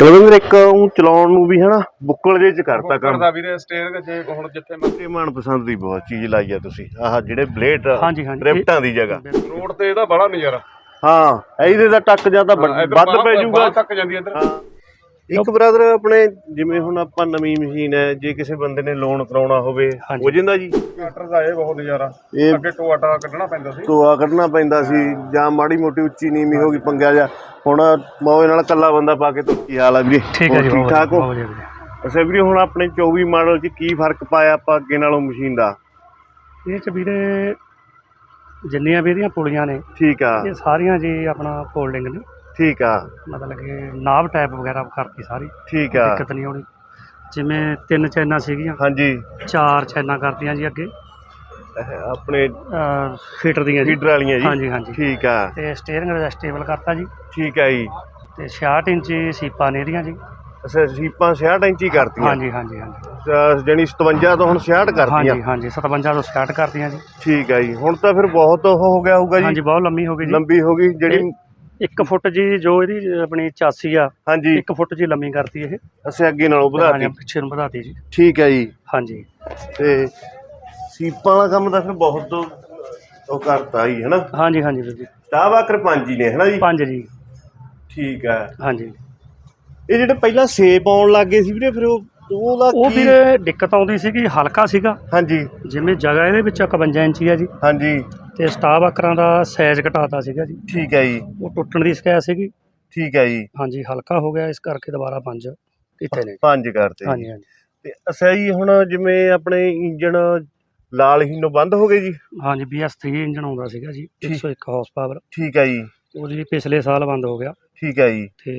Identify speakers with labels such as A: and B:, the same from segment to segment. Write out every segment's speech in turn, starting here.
A: ਕੁਲਵਿੰਦਰ ਇੱਕ ਉਹ ਚਲਾਉਣ ਨੂੰ ਵੀ ਹਨਾ ਬੁੱਕਲ ਜੇ ਚ ਕਰਤਾ ਕੰਮ
B: ਕਰਦਾ ਵੀਰੇ ਸਟੀਅਰਿੰਗ ਜੇ ਹੁਣ ਜਿੱਥੇ
A: ਤੇ ਮਨਪਸੰਦ ਦੀ ਬਹੁਤ ਚੀਜ਼ ਲਾਈ ਆ ਤੁਸੀਂ ਆਹ ਜਿਹੜੇ ਬਲੇਡ
C: ਹਾਂਜੀ ਹਾਂਜੀ
A: ਰਿਫਟਾਂ ਦੀ ਜਗ੍ਹਾ
B: ਰੋਡ ਤੇ ਇਹਦਾ ਬੜਾ ਨਜ਼ਾਰਾ
A: ਹਾਂ ਇਹਦੇ ਦਾ ਟੱਕ ਜਾਂ ਤਾਂ ਵੱਧ ਪੈ ਜਾਊਗਾ
B: ਤੱਕ ਜਾਂਦੀ ਇੱਧਰ।
A: ਹਾਂ ਇੱਕ ਬ੍ਰਦਰ ਆਪਣੇ ਜਿਵੇਂ ਹੁਣ ਆਪਾਂ ਨਵੀਂ ਮਸ਼ੀਨ ਹੈ ਜੇ ਕਿਸੇ ਬੰਦੇ ਨੇ ਲੋਨ ਕਰਾਉਣਾ ਹੋਵੇ ਹੋ ਜਾਂਦਾ ਜੀ।
B: ਟਰੈਕਟਰ ਦਾ ਇਹ ਬਹੁਤ ਨਜ਼ਾਰਾ
A: ਇਹ
B: ਅੱਗੇ ਟੋਆ ਟਾ ਕੱਢਣਾ ਪੈਂਦਾ ਸੀ
A: ਟੋਆ ਕੱਢਣਾ ਪੈਂਦਾ ਸੀ ਜਾਂ ਮਾੜੀ ਮੋਟੀ ਉੱਚੀ ਨੀਵੀਂ ਹੋ ਗਈ ਪੰਗਿਆ ਜਾ ਹੁਣ ਮੌਜ ਨਾਲ ਇਕੱਲਾ ਬੰਦਾ ਪਾ ਕੇ ਤੋਂ ਕੀ ਹਾਲ ਆ ਵੀਰੇ
C: ਠੀਕ ਹੈ ਜੀ
A: ਠੀਕ ਠਾਕ ਹੋ
C: ਵਧੀਆ ਵੀਰੇ।
A: ਅੱਛਾ ਵੀਰੇ ਹੁਣ ਆਪਣੇ 24 ਮਾਡਲ 'ਚ ਕੀ ਫਰਕ ਪਾਇਆ ਆਪਾਂ ਅੱਗੇ ਨਾਲੋਂ ਮਸ਼ੀਨ ਦਾ?
C: ਇਹ ਚ ਵੀਰੇ ਜਿੰਨੀਆਂ ਵੀ ਇਹਦੀਆਂ ਪੁਲੀਆਂ ਨੇ
A: ਠੀਕ ਆ
C: ਇਹ ਸਾਰੀਆਂ ਜੀ ਆਪਣਾ ਫੋਲਡਿੰਗ ਨੇ
A: ਠੀਕ ਆ
C: ਮਤਲਬ ਕਿ ਨਾਬ ਟਾਈਪ ਵਗੈਰਾ ਕਰਤੀ ਸਾਰੀ
A: ਠੀਕ ਆ
C: ਦਿੱਕਤ ਨਹੀਂ ਆਉਣੀ। ਜਿਵੇਂ 3 ਚੈਨਾਂ ਸੀਗੀਆਂ
A: ਹਾਂਜੀ
C: 4 ਚੈਨਾਂ ਕਰਤੀਆਂ ਜੀ ਅੱਗੇ
A: ਆਪਣੇ
C: ਫੀਟਰ ਦੀਆਂ ਜੀ
A: ਫੀਡਰ ਵਾਲੀਆਂ ਜੀ
C: ਹਾਂਜੀ ਹਾਂਜੀ
A: ਠੀਕ ਆ
C: ਤੇ ਸਟੀਅਰਿੰਗ ਐਡਜਸਟੇਬਲ ਕਰਤਾ ਜੀ
A: ਠੀਕ ਆ ਜੀ
C: ਤੇ 66 ਇੰਚੀ ਸੀਪਾਂ ਨੇ ਇਹਦੀਆਂ ਜੀ।
A: ਅੱਛਾ ਸੀਪਾਂ 66 ਇੰਚੀ ਕਰਤੀਆਂ
C: ਹਾਂਜੀ ਹਾਂਜੀ ਹਾਂਜੀ
A: ਜਾਣੀ 57 ਤੋਂ ਹੁਣ 66 ਕਰਤੀਆਂ
C: ਹਾਂਜੀ ਹਾਂਜੀ 57 ਤੋਂ 66 ਕਰਤੀਆਂ ਜੀ।
A: ਠੀਕ ਆ ਜੀ ਹੁਣ ਤਾਂ ਫਿਰ ਬਹੁਤ ਉਹ ਹੋ ਗਿਆ ਹੋਊਗਾ ਜੀ
C: ਹਾਂਜੀ ਬਹੁਤ ਲੰਮੀ ਹੋ ਗਈ ਜੀ।
A: ਲੰਬੀ ਹੋ ਗਈ ਜਿਹੜੀ
C: 1 ਫੁੱਟ ਜੀ ਜੋ ਇਹਦੀ ਆਪਣੀ ਚਾਸੀ ਆ
A: ਹਾਂਜੀ
C: 1 ਫੁੱਟ ਜੀ ਲੰਮੀ ਕਰਤੀ ਇਹ।
A: ਅਸੀਂ ਅੱਗੇ ਨਾਲੋਂ ਵਧਾਤੀ
C: ਪਿੱਛੇ ਨੂੰ ਵਧਾਤੀ ਜੀ।
A: ਠੀਕ ਹੈ ਜੀ
C: ਹਾਂਜੀ
A: ਤੇ ਸੀਪਾਂ ਵਾਲਾ ਕੰਮ ਤਾਂ ਫਿਰ ਬਹੁਤ ਉਹ ਕਰਤਾ ਜੀ ਹਨਾ।
C: ਹਾਂਜੀ ਹਾਂਜੀ ਵੀਰ ਜੀ
A: ਟਾਵਾਕਰ 5 ਹੀ ਨੇ ਹਨਾ ਜੀ
C: 5 ਜੀ
A: ਠੀਕ ਹੈ।
C: ਹਾਂਜੀ
A: ਇਹ ਜਿਹੜੇ ਪਹਿਲਾਂ ਸੇਪ ਆਉਣ ਲੱਗ ਗਏ ਸੀ ਵੀਰੇ ਫਿਰ ਉਹਦਾ
C: ਉਹ
A: ਕੀ?
C: ਵੀਰੇ ਦਿੱਕਤ ਆਉਂਦੀ ਸੀਗੀ ਹਲਕਾ ਸੀਗਾ
A: ਹਾਂਜੀ
C: ਜਿਵੇਂ ਜਗ੍ਹਾ ਇਹਦੇ ਵਿੱਚ 51 ਇੰਚੀ ਆ ਜੀ
A: ਹਾਂਜੀ
C: ਤੇ ਸਟਾਫ ਆਕਰਾਂ ਦਾ ਸਾਈਜ਼ ਘਟਾਤਾ ਸੀਗਾ ਜੀ।
A: ਠੀਕ ਹੈ ਜੀ
C: ਉਹ ਟੁੱਟਣ ਦੀ ਸ਼ਿਕਾਇਤ ਸੀਗੀ।
A: ਠੀਕ ਹੈ ਜੀ
C: ਹਾਂਜੀ ਹਲਕਾ ਹੋ ਗਿਆ ਇਸ ਕਰਕੇ ਦੁਬਾਰਾ 5 ਕੀਤੇ ਨੇ।
A: 5 ਕਰਤੇ
C: ਹਾਂਜੀ ਹਾਂਜੀ
A: ਤੇ ਅੱਛਾ ਜੀ ਹੁਣ ਜਿਵੇਂ ਆਪਣੇ ਇੰਜਣ ਲਾਲ ਹੀਨੋਂ ਬੰਦ ਹੋ ਗਏ ਜੀ।
C: ਹਾਂਜੀ BS3 ਇੰਜਨ ਆਉਂਦਾ ਸੀਗਾ ਜੀ 101 ਹਾਰਸ ਪਾਵਰ
A: ਠੀਕ ਹੈ ਜੀ
C: ਉਹ ਜੀ ਪਿਛਲੇ ਸਾਲ ਬੰਦ ਹੋ ਗਿਆ।
A: ਠੀਕ ਹੈ ਜੀ
C: ਤੇ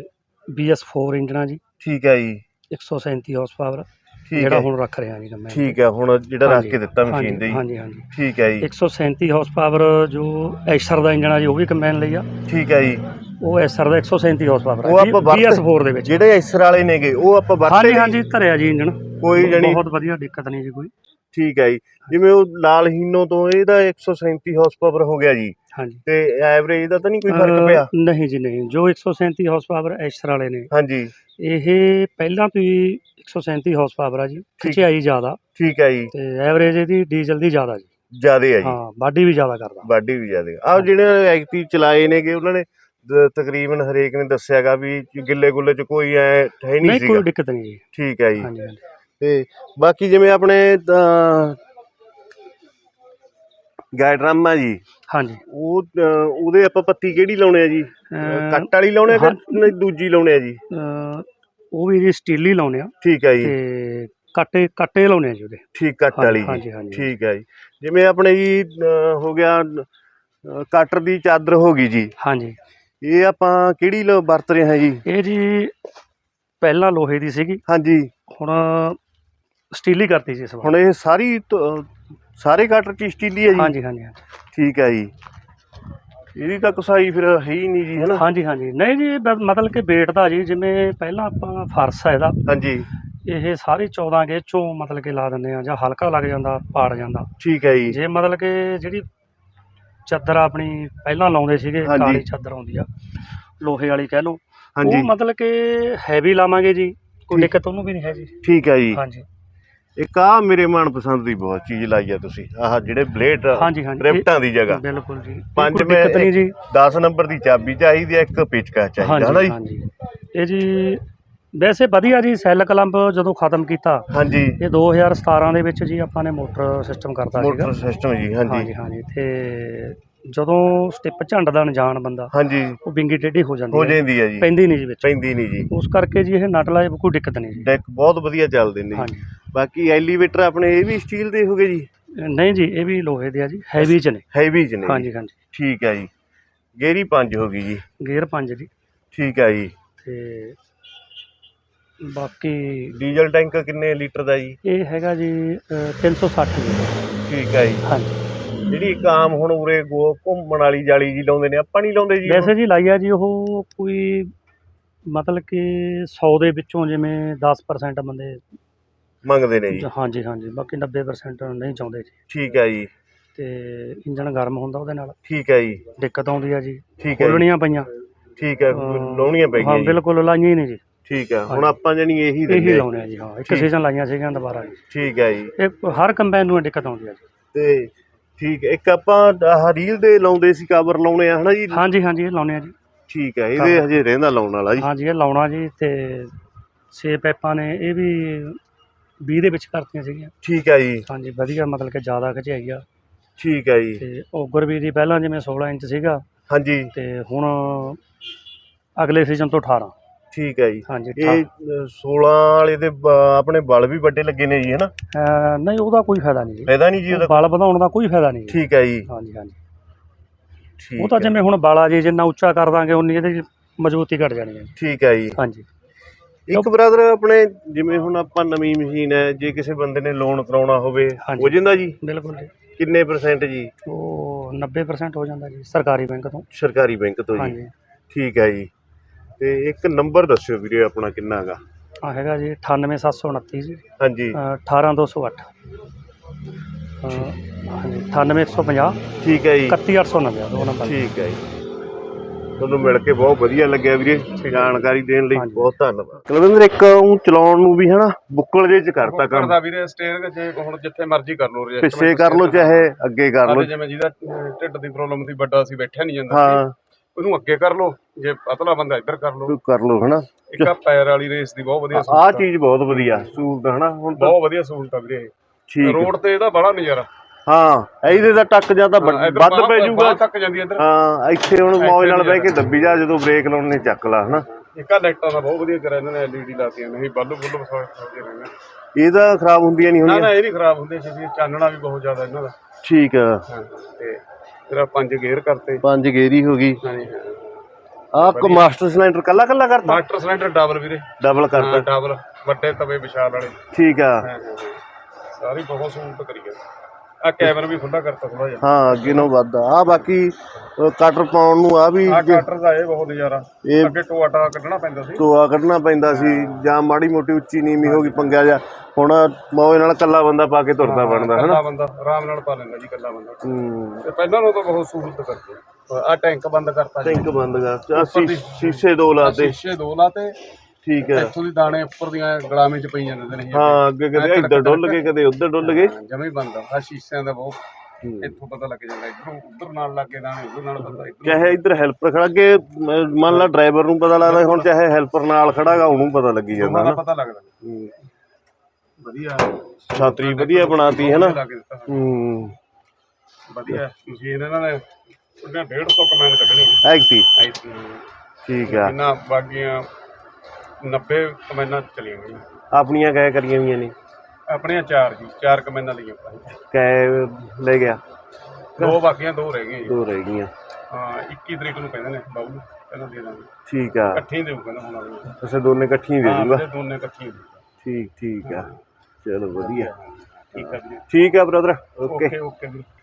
C: BS4 ਇੰਜਨ ਆ ਜੀ
A: ਠੀਕ ਹੈ ਜੀ
C: 137 ਹਾਰਸ ਪਾਵਰ
A: ਠੀਕ
C: ਜਿਹੜਾ
A: ਹੈ
C: ਹੁਣ ਰੱਖ ਰਿਹਾ ਜੀ ਮੈਂ।
A: ਠੀਕ ਹੈ ਹੁਣ ਜਿਹੜਾ ਰੱਖ ਕੇ ਦਿੱਤਾ ਮਸ਼ੀਨ ਦੇ ਜੀ
C: ਹਾਂਜੀ ਹਾਂਜੀ
A: ਠੀਕ ਹੈ ਜੀ
C: 137 ਹਾਰਸ ਪਾਵਰ ਜੋ ਐਸਰ ਦਾ ਇੰਜਨ ਆ ਜੀ ਉਹ ਵੀ ਕੰਬਾਈਨ ਲਈ ਆ।
A: ਠੀਕ ਹੈ ਜੀ
C: ਉਹ ਐਸਰ ਦਾ 137 ਹਾਰਸ ਪਾਵਰ
A: ਉਹ
C: ਆ
A: ਆਪਾਂ
C: BS4 ਦੇ ਵਿੱਚ।
A: ਜਿਹੜੇ ਐਸਰ ਵਾਲੇ ਨੇਗੇ ਉਹ ਆਪਾਂ ਵਰਤੇ
C: ਹਾਂਜੀ ਹਾਂਜੀ ਧਰਿਆ ਜੀ ਇੰਜਨ
A: ਕੋਈ ਜਣੀ
C: ਬਹੁਤ ਵਧੀਆ ਦਿੱਕਤ ਨਹੀਂ ਜੀ ਕੋਈ।
A: ਠੀਕ ਹੈ ਜੀ ਜਿਵੇਂ ਉਹ ਲਾਲ ਹੀਨੋ ਤੋਂ ਇਹਦਾ 137 ਹਾਰਸ ਪਾਵਰ ਹੋ ਗਿਆ ਜੀ
C: ਹਾਂਜੀ
A: ਤੇ ਐਵਰੇਜ ਦਾ ਤਾਂ ਨਹੀਂ ਕੋਈ ਫਰਕ ਪਿਆ?
C: ਨਹੀਂ ਜੀ ਨਹੀਂ ਜੋ 137 ਹਾਰਸ ਪਾਵਰ ਐਸਰ ਵਾਲੇ ਨੇ
A: ਹਾਂਜੀ
C: ਇਹ ਪਹਿਲਾਂ ਤੋਂ ਹੀ 137 ਹਾਰਸ ਪਾਵਰ ਆ ਜੀ ਖਿਚਾਈ ਜ਼ਿਆਦਾ
A: ਠੀਕ ਹੈ ਜੀ
C: ਤੇ ਐਵਰੇਜ ਇਹਦੀ ਡੀਜ਼ਲ ਦੀ ਜ਼ਿਆਦਾ ਜੀ।
A: ਜਿਆਦੇ ਹੈ ਜੀ
C: ਹਾਂ ਬਾਡੀ ਵੀ ਜ਼ਿਆਦਾ ਕਰਦਾ।
A: ਬਾਡੀ ਵੀ ਜਿਆਦੇ ਆਹ ਜਿਹੜੇ ਐਕਟਿਵ ਚਲਾਏ ਨੇਗੇ ਉਹਨਾਂ ਨੇ ਤਕਰੀਬਨ ਹਰੇਕ ਨੇ ਦੱਸਿਆਗਾ ਵੀ ਗਿੱਲੇ ਗੁੱਲੇ ਚ ਕੋਈ ਐ ਹੈ ਨਹੀਂ
C: ਨਹੀਂ
A: ਸੀਗਾ।
C: ਕੋਈ ਦਿੱਕਤ ਨਹੀਂ ਜੀ।
A: ਠੀਕ ਹੈ ਜੀ
C: ਹਾਂਜੀ ਹਾਂਜੀ
A: ਤੇ ਬਾਕੀ ਜਿਵੇਂ ਆਪਣੇ ਗਾਇਡਰਮ ਆ ਜੀ
C: ਹਾਂਜੀ
A: ਉਹਦੇ ਆਪਾਂ ਪੱਤੀ ਕਿਹੜੀ ਲਾਉਣੇ ਆ ਜੀ? ਕੱਟ ਵਾਲੀ ਲਾਉਣੇ ਆ ਕਿ ਨਹੀਂ ਦੂਜੀ ਲਾਉਣੇ ਆ ਜੀ?
C: ਉਹ ਵੀ ਜੀ ਸਟੀਲ ਹੀ ਲਾਉਣੇ ਆ
A: ਠੀਕ ਹੈ ਜੀ
C: ਤੇ ਕੱਟੇ ਲਾਉਣੇ ਆ ਜੀ ਉਹਦੇ।
A: ਠੀਕ ਕੱਟ ਵਾਲੀ
C: ਹਾਂਜੀ
A: ਜੀ
C: ਹਾਂਜੀ
A: ਠੀਕ ਹੈ ਜੀ ਜਿਵੇਂ ਆਪਣੇ ਜੀ ਹੋ ਗਿਆ ਕਟਰ ਦੀ ਚਾਦਰ ਹੋ ਗਈ ਜੀ
C: ਹਾਂਜੀ
A: ਇਹ ਆਪਾਂ ਕਿਹੜੀ ਵਰਤ ਰਹੇ ਹਾਂ ਜੀ?
C: ਇਹ ਜੀ ਪਹਿਲਾਂ ਲੋਹੇ ਦੀ ਸੀਗੀ
A: ਹਾਂਜੀ
C: ਹੁਣ ਸਟੀਲ ਹੀ ਕਰਤੀ ਜੀ ਇਸ ਵਾਰ।
A: ਹੁਣ ਇਹ ਸਾਰੇ ਕਟਰ ਚ ਸਟੀਲ ਹੀ ਹੈ ਜੀ?
C: ਹਾਂਜੀ ਹਾਂਜੀ ਹਾਂਜੀ
A: ਠੀਕ ਹੈ ਜੀ ਇਹਦੀ ਤਾਂ ਕਸਾਈ ਫਿਰ ਹੈ ਹੀ ਨਹੀਂ ਜੀ ਹੈ ਨਾ?
C: ਹਾਂਜੀ ਹਾਂਜੀ ਨਹੀਂ ਜੀ ਮਤਲਬ ਕਿ ਵੇਟ ਦਾ ਜੀ ਜਿਵੇਂ ਪਹਿਲਾਂ ਆਪਾਂ ਫਰਸ਼ ਆ ਇਹਦਾ
A: ਹਾਂਜੀ
C: ਇਹ ਸਾਰੀ 14 ਗੇਜ ਚੋਂ ਮਤਲਬ ਕਿ ਲਾ ਦਿੰਦੇ ਆ ਜਾਂ ਹਲਕਾ ਲੱਗ ਜਾਂਦਾ ਪਾੜ ਜਾਂਦਾ।
A: ਠੀਕ ਹੈ ਜੀ
C: ਜੇ ਮਤਲਬ ਕਿ ਜਿਹੜੀ ਚਾਦਰ ਆਪਣੀ ਪਹਿਲਾਂ ਲਾਉਂਦੇ ਸੀਗੇ
A: ਹਾਂਜੀ।
C: ਕਾਲੀ ਚਾਦਰ ਆਉਂਦੀ ਆ ਲੋਹੇ ਵਾਲੀ ਕਹਿ ਲਓ
A: ਹਾਂਜੀ
C: ਉਹ ਮਤਲਬ ਕਿ ਹੈਵੀ ਲਾਵਾਂਗੇ ਜੀ ਕੋਈ
A: ਠੀਕ।
C: ਦਿੱਕਤ ਉਹਨੂੰ ਵੀ ਨਹੀਂ ਹੈ ਜੀ।
A: ਠੀਕ ਹੈ ਜੀ
C: ਹਾਂਜੀ
A: ਇੱਕ ਆ ਮੇਰੇ ਮਨਪਸੰਦ ਦੀ ਬਹੁਤ ਚੀਜ਼ ਲਾਈ ਆ ਤੁਸੀਂ ਆਹ ਜਿਹੜੇ ਬਲੇਡ
C: ਹਾਂਜੀ ਹਾਂਜੀ
A: ਰਿਫਟਾਂ ਦੀ ਜਗ੍ਹਾ
C: ਬਿਲਕੁਲ ਜੀ
A: ਪੰਜ
C: ਕੋਈ ਦਿੱਕਤ ਨਹੀਂ ਜੀ।
A: 10 ਨੰਬਰ ਦੀ ਚਾਬੀ ਚਾਹੀਦੀ ਹੈ ਇੱਕ ਪੇਚਕਸ ਚਾਹੀਦਾ ਹੈ ਨਾ ਜੀ?
C: ਹਾਂਜੀ ਇਹ ਜੀ ਵੈਸੇ ਵਧੀਆ ਜੀ ਸੈੱਲ ਕਲੰਪ ਜਦੋਂ ਖਤਮ ਕੀਤਾ
A: ਹਾਂਜੀ
C: ਇਹ 2017 ਦੇ ਵਿੱਚ ਜੀ ਆਪਾਂ ਨੇ ਮੋਟਰ ਸਿਸਟਮ ਕਰਤਾ ਸੀਗਾ।
A: ਮੋਟਰ ਸਿਸਟਮ ਜੀ ਹਾਂਜੀ
C: ਹਾਂਜੀ ਹਾਂਜੀ ਤੇ ਜਦੋਂ ਸਟਿੱਪ ਝੰਡਦਾ ਅਣਜਾਣ ਬੰਦਾ
A: ਹਾਂਜੀ
C: ਉਹ ਵਿੰਗੀ ਟੇਢੀ ਹੋ
A: ਹੋ
C: ਜਾਂਦੀ ਹੈ
A: ਜਾਂਦੀ ਹੈ ਜੀ
C: ਪੈਂਦੀ ਨਹੀਂ ਜੀ ਵਿੱਚ।
A: ਪੈਂਦੀ ਨਹੀਂ ਜੀ
C: ਉਸ ਕਰਕੇ ਜੀ ਇਹ ਨਟ ਲਾਏ ਕੋਈ ਦਿੱਕਤ ਨਹੀਂ ਜੀ।
A: ਡੈਕ ਬਹੁਤ ਵਧੀਆ ਚੱਲਦੇ ਨੇ ਜੀ
C: ਹਾਂਜੀ
A: ਬਾਕੀ ਐਲੀਵੇਟਰ ਆਪਣੇ ਇਹ ਵੀ ਸਟੀਲ ਦੇ ਹੋਗੇ ਜੀ?
C: ਨਹੀਂ ਜੀ ਇਹ ਵੀ ਲੋਹੇ ਦੇ ਆ ਜੀ ਹੈਵੀ ਚ ਨੇ।
A: ਹੈਵੀ ਚ ਨੇ ਜੀ।
C: ਹਾਂਜੀ ਹਾਂਜੀ
A: ਠੀਕ ਹੈ ਜੀ ਗੇਅਰੀ 5 ਹੋ ਗਈ ਜੀ
C: ਗੇਅਰ 5 ਜੀ
A: ਠੀਕ ਹੈ ਜੀ
C: ਤੇ ਬਾਕੀ
A: ਡੀਜ਼ਲ ਟੈਂਕ ਕਿੰਨੇ ਲੀਟਰ ਦਾ ਜੀ?
C: ਇਹ ਹੈਗਾ ਜੀ 360 ਜੀ।
A: ਠੀਕ ਹੈ ਜੀ
C: ਹਾਂਜੀ
A: ਜਿਹੜੀ ਇੱਕ ਆਮ ਹੁਣ ਉਰੇ ਘੁੰਮਣ ਵਾਲੀ ਜਾਲੀ ਜੀ ਲਾਉਂਦੇ ਨੇ ਆਪਾਂ ਨਹੀਂ ਲਾਉਂਦੇ ਜੀ?
C: ਵੈਸੇ ਜੀ ਲਾਈ ਆ ਜੀ ਉਹ ਕੋਈ ਮਤਲਬ ਕਿ 100 ਦੇ ਵਿੱਚੋਂ ਜਿਵੇਂ 10% ਬੰਦੇ
A: ਮੰਗਦੇ ਨੇ ਜੀ?
C: ਹਾਂਜੀ ਹਾਂਜੀ ਬਾਕੀ 90% ਨਹੀਂ ਚਾਹੁੰਦੇ ਜੀ।
A: ਠੀਕ ਹੈ ਜੀ
C: ਤੇ ਇੰਜਣ ਗਰਮ ਹੁੰਦਾ ਉਹਦੇ ਨਾਲ
A: ਠੀਕ ਹੈ ਜੀ
C: ਦਿੱਕਤ ਆਉਂਦੀ ਆ ਜੀ।
A: ਠੀਕ ਹੈ ਜੀ
C: ਖੋਲਣੀਆਂ ਪਈਆਂ
A: ਠੀਕ ਹੈ ਲਾਉਣੀਆਂ ਪੈ
C: ਹਾਂ
A: ਗਈਆਂ ਜੀ
C: ਬਿਲਕੁਲ ਲਾਈਆਂ ਹੀ ਨਹੀਂ ਜੀ।
A: ਠੀਕ ਆ। ਹੁਣ
C: ਹਾਂਜੀ।
A: ਆਪਾਂ ਜਾਨੀ ਇਹੀ
C: ਇਹੀ
A: ਦਿੰਦੇ ਆ।
C: ਲਾਉਣੇ ਆ ਜੀ। ਹਾਂ, ਇੱਕ
A: ਠੀਕ।
C: ਸੀਜ਼ਨ ਲਾਈਆਂ ਸੀਗੀਆਂ ਦੁਬਾਰਾ ਜੀ।
A: ਠੀਕ ਹੈ ਜੀ।
C: ਇਹ ਹਰ ਕੰਬਾਈਨ ਨੂੰ ਦਿੱਕਤ ਆਉਂਦੀ ਆ ਜੀ।
A: ਤੇ ਠੀਕ ਹੈ, ਇੱਕ ਆਪਾਂ ਆਹ ਰੀਲ ਦੇ ਲਾਉਂਦੇ ਸੀ, ਕਵਰ ਲਾਉਣੇ ਆ ਹਨਾ ਜੀ।
C: ਹਾਂਜੀ ਹਾਂਜੀ, ਇਹ ਲਾਉਣੇ ਆ ਜੀ।
A: ਠੀਕ ਹੈ, ਇਹਦੇ ਹਜੇ ਰਹਿੰਦਾ ਲਾਉਣ ਵਾਲਾ ਜੀ।
C: ਹਾਂਜੀ, ਇਹ ਲਾਉਣਾ ਜੀ। ਤੇ 6 ਪਾਈਪਾਂ ਨੇ, ਇਹ ਵੀ 20 ਦੇ ਵਿੱਚ ਕਰਤੀਆਂ ਸੀਗੀਆਂ।
A: ਠੀਕ ਹੈ ਜੀ।
C: ਹਾਂਜੀ, ਵਧੀਆ ਮਤਲਬ ਕਿ ਜ਼ਿਆਦਾ ਖਿਚਾਈ ਆ।
A: ਠੀਕ ਹੈ ਜੀ।
C: ਤੇ ਓਗਰ ਵੀ ਦੀ ਪਹਿਲਾਂ ਜਿਵੇਂ 16 ਇੰਚ ਸੀਗਾ,
A: ਹਾਂਜੀ।
C: ਤੇ ਹੁਣ ਅਗਲੇ ਸੀਜ਼ਨ ਤੋਂ 18।
A: ਠੀਕ ਹੈ ਜੀ।
C: ਹਾਂਜੀ,
A: ਇਹ 16 ਵਾਲੇ ਦੇ ਆਪਣੇ ਬਲ ਵੀ ਵੱਡੇ ਲੱਗੇ ਨੇ ਜੀ, ਹਨਾ?
C: ਨਹੀਂ, ਉਹਦਾ ਕੋਈ ਫਾਇਦਾ ਨਹੀਂ ਜੀ।
A: ਫਾਇਦਾ ਨਹੀਂ ਜੀ ਉਹਦਾ?
C: ਬਲ ਵਧਾਉਣ ਦਾ ਕੋਈ ਫਾਇਦਾ ਨਹੀਂ ਜੀ।
A: ਠੀਕ ਹੈ ਜੀ।
C: ਹਾਂਜੀ ਹਾਂਜੀ,
A: ਠੀਕ
C: ਉਹ ਤਾਂ
A: ਹੈ।
C: ਜਿਵੇਂ ਹੁਣ ਬਾਲਾ ਜੀ ਜਿੰਨਾ ਉੱਚਾ ਕਰ ਦਾਂਗੇ ਉਨੀ ਇਹਦੀ ਮਜ਼ਬੂਤੀ ਘਟ ਜਾਣੀ ਹੈ।
A: ਠੀਕ ਹੈ ਜੀ।
C: ਹਾਂਜੀ।
A: ਇੱਕ ਬ੍ਰਦਰ ਆਪਣੇ ਜਿਵੇਂ ਹੁਣ ਆਪਾਂ ਨਵੀਂ ਮਸ਼ੀਨ ਹੈ, ਜੇ ਕਿਸੇ ਬੰਦੇ ਨੇ ਲੋਨ ਕਰਾਉਣਾ ਹੋਵੇ
C: ਹਾਂਜੀ।
A: ਹੋ ਜਾਂਦਾ ਜੀ?
C: ਬਿਲਕੁਲ ਜੀ।
A: ਕਿੰਨੇ % ਜੀ?
C: ਉਹ 90% ਹੋ ਜਾਂਦਾ ਜੀ, ਸਰਕਾਰੀ ਬੈਂਕ ਤੋਂ।
A: ਸਰਕਾਰੀ ਬੈਂਕ ਤੋਂ ਜੀ?
C: ਹਾਂਜੀ।
A: ਠੀਕ ਹੈ ਜੀ। ਤੇ ਇੱਕ ਨੰਬਰ ਦੱਸਿਓ ਵੀਰੇ ਆਪਣਾ ਕਿੰਨਾ ਗਾ?
C: ਹੈਗਾ ਜੀ 98729 ਜੀ।
A: ਹਾਂਜੀ।
C: 18208। ਹਾਂਜੀ, 98150।
A: ਠੀਕ ਹੈ ਜੀ।
C: 31890 ਦੋ ਨੰਬਰ।
A: ਠੀਕ ਹੈ ਜੀ। ਤੁਹਾਨੂੰ ਮਿਲ ਕੇ ਬਹੁਤ ਵਧੀਆ ਲੱਗਿਆ ਵੀਰੇ, ਜਾਣਕਾਰੀ ਦੇਣ ਲਈ
C: ਹਾਂਜੀ।
A: ਬਹੁਤ ਧੰਨਵਾਦ। ਕੁਲਵਿੰਦਰ, ਇੱਕ ਉਹ ਚਲਾਉਣ ਨੂੰ ਵੀ ਹਨਾ ਬੁੱਕਲ ਜੇ ਚ ਕਰਤਾ ਕੰਮ।
B: ਕਰਦਾ ਵੀਰੇ ਸਟੀਅਰਿੰਗ ਜੇ ਹੁਣ ਜਿੱਥੇ ਮਰਜ਼ੀ ਕਰ ਲਓ,
A: ਪਿੱਛੇ ਕਰ ਲਓ ਚਾਹੇ ਅੱਗੇ ਕਰ ਲਓ।
B: ਜਿਵੇਂ ਜਿਹਦਾ ਢਿੱਡ ਦੀ ਪ੍ਰੋਬਲਮ ਸੀ, ਵੱਡਾ ਸੀ, ਬੈਠਿਆ ਨਹੀਂ ਜਾਂਦਾ ਸੀ,
A: ਹਾਂ,
B: ਉਹਨੂੰ ਅੱਗੇ ਕਰ ਲਓ, ਜੇ ਪਤਲਾ ਬੰਦਾ ਇੱਧਰ ਕਰ ਲਓ।
A: ਕਰ ਲਓ ਹਨਾ।
B: ਇੱਕ ਆਹ ਪੈਰ ਵਾਲੀ ਰੇਸ ਦੀ ਬਹੁਤ ਵਧੀਆ
A: ਆਹ
B: ਸਹੂਲਤ ਆ।
A: ਚੀਜ਼ ਬਹੁਤ ਵਧੀਆ ਸਹੂਲਤ ਹਨਾ ਹੁਣ ਤਾਂ।
B: ਬਹੁਤ ਵਧੀਆ ਸਹੂਲਤ ਆ ਵੀਰੇ।
A: ਠੀਕ
B: ਰੋਡ ਤੇ ਇਹਦਾ ਬੜਾ ਨਜ਼ਾਰਾ।
A: ਹਾਂ, ਇਹਦੇ ਦਾ ਟੱਕ ਜਾਂ ਤਾਂ ਵੱਧ ਪੈ ਜਾਊਗਾ।
B: ਤੱਕ ਜਾਂਦੀ ਇੱਧਰ।
A: ਹਾਂ, ਇੱਥੇ ਹੁਣ ਮੌਜ ਨਾਲ ਬਹਿ ਕੇ ਦੱਬੀ ਜਾ, ਜਦੋਂ ਬ੍ਰੇਕ ਲਾਉਣੇ ਚੱਕ ਲਾ ਹਨਾ।
B: ਇੱਕ ਆ ਲਾਈਟਾਂ ਦਾ ਬਹੁਤ ਵਧੀਆ ਕਰਿਆ ਇਹਨਾਂ ਨੇ, LED ਲਾਤੀਆਂ ਨੇ, ਬੱਲਬ ਵਸਾਉਂਦੇ ਰਹਿੰਦੇ।
A: ਇਹਦਾ ਖਰਾਬ ਹੁੰਦੀਆਂ ਨਹੀਂ
B: ਨਾ
A: ਹੁੰਦੀਆਂ?
B: ਨਾ, ਇਹ ਨਹੀਂ ਖਰਾਬ ਹੁੰਦੇ ਸੀ, ਚਾਨਣਾ ਵੀ ਬਹੁਤ ਜ਼ਿਆਦਾ ਇਹਨਾਂ ਦਾ।
A: ਠੀਕ ਆ।
B: ਹਾਂ, ਤੇ ਤੇਰਾ 5 ਗੇਅਰ ਕਰਤੇ।
A: 5 ਗੇਰੀ ਹੋ ਗਈ।
B: ਹਾਂਜੀ ਹਾਂ।
A: ਆਹ ਮਾਸਟਰ ਸਿਲੰਡਰ ਕੱਲਾ ਕੱਲਾ ਕਰਤਾ?
B: ਮਾਸਟਰ ਸਿਲੰਡਰ ਡਬਲ ਵੀਰੇ।
A: ਡਬਲ ਕਰਤਾ?
B: ਡਬਲ, ਵੱਡੇ ਤਵੇ ਵਿਸ਼ਾਲ ਵਾਲੇ।
A: ਠੀਕ ਆ।
B: ਸਾਰੀ ਬਹੁਤ ਸਹੂਲਤ ਕਰੀ ਹੈ। ਆ ਕੈਬਨ ਵੀ ਖੁੱਲਾ ਕਰਤਾ ਥੋੜਾ ਜਿਹਾ।
A: ਹਾਂ, ਅੱਗੇ ਨੂੰ ਵੱਧ ਆ। ਬਾਕੀ ਕਟਰ ਪਾਉਣ ਨੂੰ ਆ ਵੀ
B: ਆ ਕਟਰ ਦਾ ਇਹ ਬਹੁਤ ਨਜ਼ਾਰਾ।
A: ਇਹ
B: ਅੱਗੇ ਟੋਆ ਟਾ ਕੱਢਣਾ ਪੈਂਦਾ ਸੀ।
A: ਟੋਆ ਕੱਢਣਾ ਪੈਂਦਾ ਸੀ, ਜਾਂ ਮਾੜੀ ਮੋਟੀ ਉੱਚੀ ਨੀਵੀਂ ਹੋ ਗਈ ਪੰਗਿਆ ਜਾ। ਹੁਣ ਮੌਜ ਨਾਲ ਕੱਲਾ ਬੰਦਾ ਪਾ ਕੇ ਤੁਰਦਾ ਬਣਦਾ ਹਨਾ।
B: ਕੱਲਾ ਬੰਦਾ ਆਰਾਮ ਨਾਲ ਪਾ ਲੈਂਦਾ ਜੀ, ਕੱਲਾ ਬੰਦਾ। ਤੇ ਪਹਿਲਾਂ ਨੂੰ ਤਾਂ ਬਹੁਤ ਸਹੂਲਤ ਕਰਤੀ। ਆ ਟੈਂਕ ਬੰਦ ਕਰਤਾ ਜੀ।
A: ਟੈਂਕ ਬੰਦ ਕਰਤਾ। ਸ਼ੀਸ਼ੇ 2 ਲਾਤੇ?
B: ਸ਼ੀਸ਼ੇ 2 ਲਾਤੇ।
A: ਠੀਕ ਹੈ।
B: ਇੱਥੋਂ ਦੀ ਦਾਣੇ ਉੱਪਰ ਦੀਆਂ ਗਲਾਮੇ ਚ ਪਈ ਜਾਂਦੇ ਨੇ।
A: ਹਾਂ, ਅੱਗੇ ਕਦੇ ਇੱਧਰ ਡੁੱਲ ਗਏ, ਕਦੇ ਉੱਧਰ ਡੁੱਲ ਗਏ।
B: ਜਮੇ ਬੰਦ ਆ ਸ਼ੀਸ਼ਿਆਂ ਦਾ ਬਹੁਤ। ਇੱਥੋਂ ਪਤਾ ਲੱਗ ਜਾਂਦਾ, ਇੱਧਰੋਂ ਉੱਧਰ ਨਾਲ ਲੱਗੇ ਦਾਣੇ, ਉੱਧਰ ਨਾਲ ਬੰਦਾ
A: ਚਾਹੇ ਇੱਧਰ ਹੈਲਪਰ ਖੜਾ, ਅੱਗੇ ਮੰਨ ਲਾ ਡਰਾਈਵਰ ਨੂੰ ਪਤਾ ਲੱਗਦਾ, ਹੁਣ ਚਾਹੇ ਹੈਲਪਰ ਨਾਲ ਖੜਾਗਾ ਉਹਨੂੰ ਪਤਾ ਲੱਗੀ ਜਾਂਦਾ ਨਾ।
B: ਪਤਾ ਲੱਗਦਾ। ਵਧੀਆ
A: ਛਾਤਰੀ ਵਧੀਆ ਬਣਾਤੀ ਹੈ ਨਾ।
B: ਵਧੀਆ ਮਸ਼ੀਨ ਇਹਨਾਂ ਨੇ 150 ਕਮੈਂਡ ਕੱਢਣੀ
A: ਐਗਤੀ। ਠੀਕ ਆ।
B: ਇਹਨਾਂ ਬਾਕੀਆਂ 90 ਕਮੈਂਡਾਂ ਚਲੀਆਂ ਗਈਆਂ।
A: ਆਪਣੀਆਂ ਕੈ ਕਰੀਆਂ ਹੋਈਆਂ ਨੇ?
B: ਆਪਣੀਆਂ 4 ਜੀ, 4 ਕਮੈਂਡਾਂ ਲਈਆਂ ਆਪਾਂ।
A: ਕੈ ਲੈ ਗਿਆ?
B: 2 ਬਾਕੀਆਂ, 2 ਰਹਿ ਗਈਆਂ ਜੀ।
A: 2 ਰਹਿ ਗਈਆਂ।
B: ਹਾਂ, 21 ਤਰੀਕ ਨੂੰ ਕਹਿੰਦੇ ਨੇ ਬਾਬੂ, ਪਹਿਲਾਂ ਦੇ ਦਾਂਗੇ।
A: ਠੀਕ ਆ।
B: ਇਕੱਠੀ ਦੇਊ ਕਹਿੰਦਾ ਹੁਣ ਵਾਲੀ।
A: ਅੱਛਾ, ਦੋਨੇ ਇਕੱਠੀਆਂ ਦੇ ਦੂਗਾ?
B: ਦੋਨੇ ਇਕੱਠੀਆਂ।
A: ਠੀਕ ਆ। ਚਲੋ ਵਧੀਆ।
B: ਠੀਕ ਆ ਜੀ।
A: ਠੀਕ ਆ ਬ੍ਰਦਰ, ਓਕੇ।
B: ਓਕੇ।